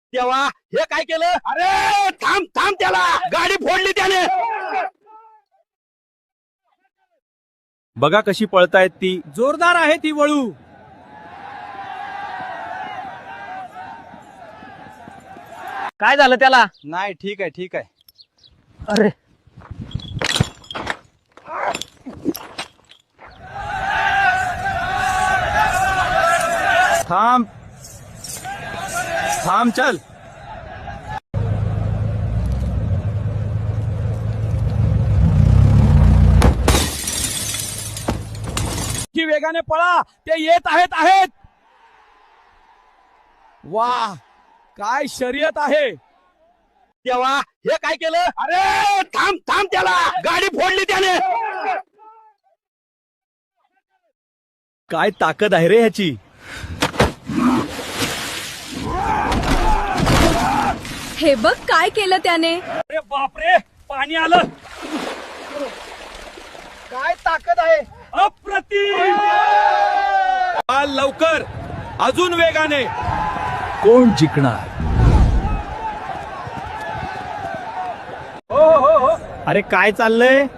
तेव्हा हे काय केलं? अरे थांब थांब, त्याला गाडी फोडली त्याने. बघा कशी पळतायत ती. जोरदार आहे ती वळू. काय झालं त्याला? नाही, ठीक आहे ठीक आहे. अरे थांब थांब, चल. की वेगाने पळा, ते येत आहेत. वाह, काय शर्यत आहे. तेव्हा हे काय केलं? अरे थांब थांब, त्याला गाडी फोडली त्याने. काय ताकद आहे रे ह्याची. हे बघ काय केलं त्याने. अरे बापरे, पाणी आलं. काय ताकद आहे. अप्रतिम. चाल लवकर, अजून वेगाने. कोण जिंकणार? अरे काय चाललंय.